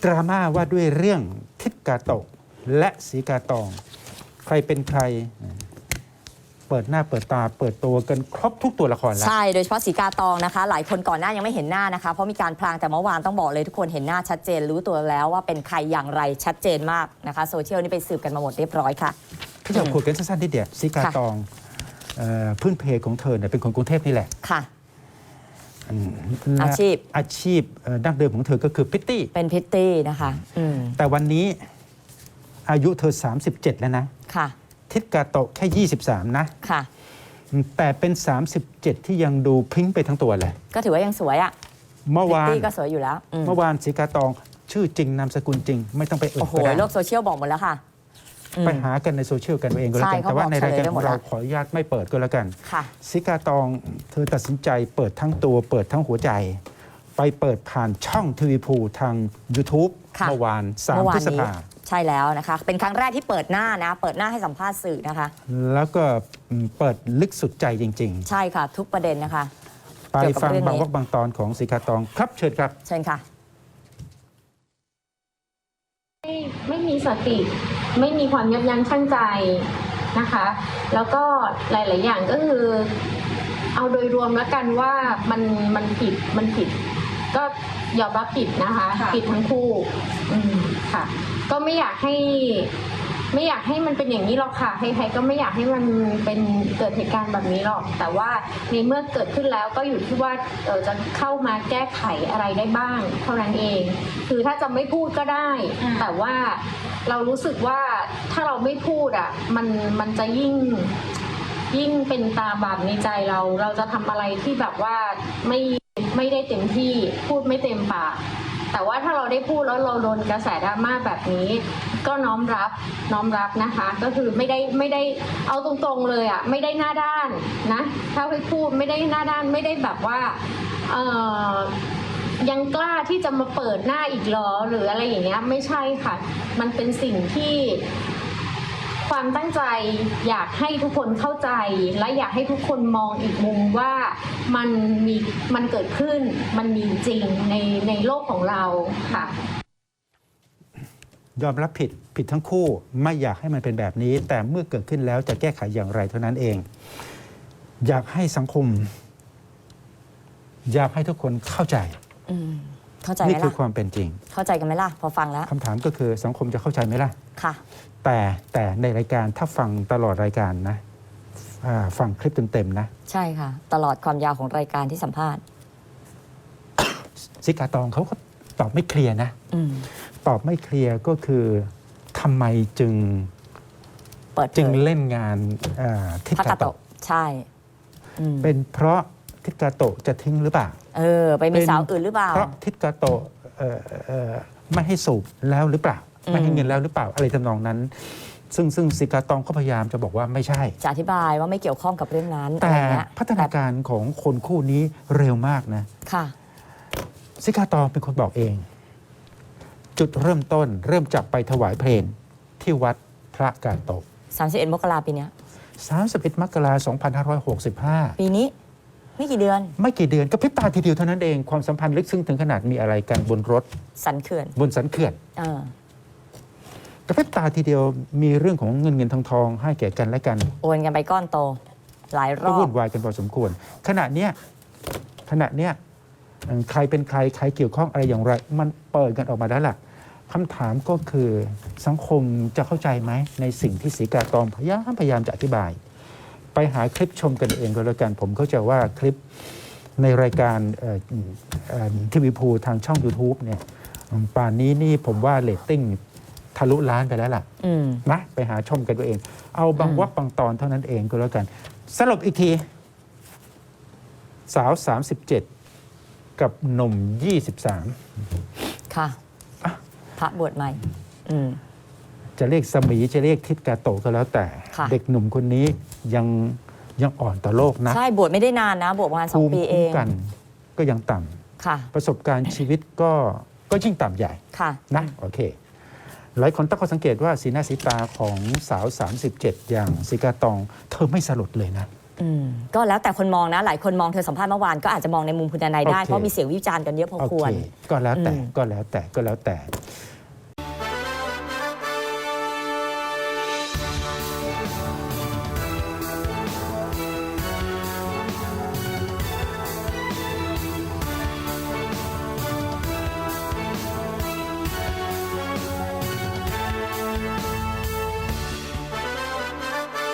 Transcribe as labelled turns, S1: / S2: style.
S1: ดราม่าว่าด้วยเรื่องทิศกาโตะและสีกาตองใครเป็นใครเปิดหน้าเปิดตาเปิดตัวกันครบทุกตัวละครแล้ว
S2: ใช่โดยเฉพาะสีกาตองนะคะหลายคนก่อนหน้ายังไม่เห็นหน้านะคะเพราะมีการพลางแต่เมื่อวานต้องบอกเลยทุกคนเห็นหน้าชัดเจนรู้ตัวแล้วว่าเป็นใครอย่างไรชัดเจนมากนะคะโซเชียลนี่ไปสืบกันมาหมดเรียบร้อยค่ะ
S1: พี่จะคุยกันสั้นๆนิดเดียวสีกาตองพื้นเพของเธอเนี่ยเป็นคนกรุงเทพนี่แหละ
S2: ค่ะอาชีพ
S1: ดั้งเดิมของเธอก็คือพิตตี้
S2: เป็นพิตตี้นะคะ
S1: แต่วันนี้อายุเธอ37แล้วนะ
S2: ค่ะ
S1: ทิศกาโตะแค่23นะ
S2: ค่ะ
S1: แต่เป็น37ที่ยังดูพริ้งไปทั้งตัวเลย
S2: ก็ถือว่ายังสวยอ่ะ
S1: เมื่อวาน
S2: ก็สวยอยู่แล้ว
S1: เมื่อวานสีกาตองชื่อจริงนามสกุลจริงไม่ต้องไปเอ่ยก็ได้
S2: โลกโซเชียลบอกหมดแล้วค่ะ
S1: ไปหากันในโซเชียลกันเองก็แล้วกันแต่ว่าในรายการของเราขออนุญาตไม่เปิดก็แล้วกันสีกาตองเธอตัดสินใจเปิดทั้งตัวเปิดทั้งหัวใจไปเปิดผ่านช่องทีวีพูทาง YouTube เมื่อวาน3 พฤษภาคม
S2: ใช่แล้วนะคะเป็นครั้งแรกที่เปิดหน้านะเปิดหน้าให้สัมภาษณ์สื่อนะคะ
S1: แล้วก็เปิดลึกสุดใจจริง
S2: ๆใช่ค่ะทุกประเด็นนะคะ
S1: ไปฟังบางวรรคบางตอนของสีกาตองครับเชิญครับ
S2: เชิญค่ะ
S3: ไม่มีสติไม่มีความยับยั้งชั่งใจนะคะแล้วก็หลาย ๆ อย่างก็คือเอาโดยรวมแล้วกันว่ามันผิดก็ยอมรับผิดนะคะผิดทั้งคู่ค่ะก็ไม่อยากให้มันเป็นอย่างนี้หรอกค่ะใครๆก็ไม่อยากให้มันเป็นเกิดเหตุการณ์แบบนี้หรอกแต่ว่าในเมื่อเกิดขึ้นแล้วก็อยู่ที่ว่าจะเข้ามาแก้ไขอะไรได้บ้างเท่านั้นเองคือถ้าจะไม่พูดก็ได้แต่ว่าเรารู้สึกว่าถ้าเราไม่พูดอ่ะมันจะยิ่งเป็นตาบาปในใจเราจะทำอะไรที่แบบว่าไม่ได้เต็มที่พูดไม่เต็มปากแต่ว่าถ้าเราได้พูดแล้วเราโดนกระแสดราม่าแบบนี้ก็น้อมรับนะคะก็คือไม่ได้เอาตรงๆเลยอ่ะไม่ได้หน้าด้านนะถ้าไปพูดไม่ได้หน้าด้านไม่ได้แบบว่ายังกล้าที่จะมาเปิดหน้าอีกหรอหรืออะไรอย่างเงี้ยไม่ใช่ค่ะมันเป็นสิ่งที่ความตั้งใจอยากให้ทุกคนเข้าใจและอยากให้ทุกคนมองอีกมุมว่ามันเกิดขึ้นมันมีจริงในโลกของเราค่ะ
S1: ยอมรับผิดทั้งคู่ไม่อยากให้มันเป็นแบบนี้แต่เมื่อเกิดขึ้นแล้วจะแก้ไขอย่างไรเท่านั้นเองอยากให้สังคมอยากให้ทุกคนเข้าใจ
S2: เข้าใจไหมล่ะ
S1: นี่คือความเป็นจริง
S2: เข้าใจกันไหมล่ะพอฟังแล้ว
S1: คำถามก็คือสังคมจะเข้าใจไหมล่ะ
S2: ค่ะ
S1: แต่ในรายการถ้าฟังตลอดรายการนะฟังคลิปเต็มๆนะ
S2: ใช่ค่ะตลอดความยาวของรายการที่สัมภาษณ์
S1: สีกาตองเขาก็ตอบไม่เคลียร์นะตอบไม่เคลียร์ก็คือทำไมจึงเล่นงานทิศกาโตะ
S2: ใช่
S1: เป็นเพราะทิศกาโตะจะทิ้งหรือเปล่า
S2: ไปมีสาวอื่นหรือเปล่า
S1: เพราะทิศกาโตะไม่ให้สูบแล้วหรือเปล่าไม่ให้เงินแล้วหรือเปล่าอะไรทำนองนั้นซึ่งสีกาตองก็พยายามจะบอกว่าไม่ใช่
S2: จะอธิบายว่าไม่เกี่ยวข้องกับเรื่องนั้น
S1: แต่พัฒนาการของคนคู่นี้เร็วมากนะ
S2: ค่ะ
S1: สีกาตองเป็นคนบอกเองจุดเริ่มต้นเริ่มจากไปถวายเพลงที่วัดพระกาโตะ
S2: 31 มกราปีนี้
S1: 31 มกราคม 2565
S2: ปีนี้ไม่กี่เดือน
S1: ก็พริบตาทีเดียวเท่านั้นเองความสัมพันธ์ลึกซึ้งถึงขนาดมีอะไรกันบนรถ
S2: สันเขื่อน
S1: บนสันเขื่อนกระพริบตาทีเดียวมีเรื่องของเงินทองให้แก่กันและกัน
S2: โอนกันไปก้อนโตหลายรอบ
S1: วุ่นวายกันพอสมควรขณะเนี้ยใครเป็นใครเกี่ยวข้องอะไรอย่างไรมันเปิดกันออกมาแล้วล่ะคำถามก็คือสังคมจะเข้าใจไหมในสิ่งที่สีกาตองพยายามจะอธิบายไปหาคลิปชมกันเองก็แล้วกันผมเข้าใจว่าคลิปในรายการทีวีพูทางช่อง YouTube เนี่ยป่านนี้นี่ผมว่าเรตติ้งทะลุล้านไปแล้วล่ะนะไปหาชมกันตัวเองเอาบางวรรคบางตอนเท่านั้นเองก็แล้วกันสรุปอีกทีสาว37กับหนุ่ม23
S2: ค่ะพระบวชใหม่
S1: จะเรียกสมีจะเรียกทิศกาโตะก็แล้วแต่เด็กหนุ่มคนนี้ยังอ่อนต่อโลกนะ
S2: ใช่บวชไม่ได้นานนะบวชประมาณ2 ปีเอง
S1: กันก็ยังต่ำประสบการณ์ชีวิตก็ยิ่งต่ำใหญ่นะโอเคหลายคนตั้งข้อสังเกตว่าสีหน้าสีตาของสาว37อย่างสีกาตองเธอไม่สลดเลยนะ
S2: ก็แล้วแต่คนมองนะหลายคนมองเธอสัมภาษณ์เมื่อวานก็อาจจะมองในมุมคุณทนายได้
S1: โอเค
S2: เพราะมีเสียงวิจารณ์กันเยอะพอ
S1: โอ
S2: คว
S1: เค
S2: ร
S1: ก็แล้วแต่
S2: อืม
S1: ก็แล้วแต่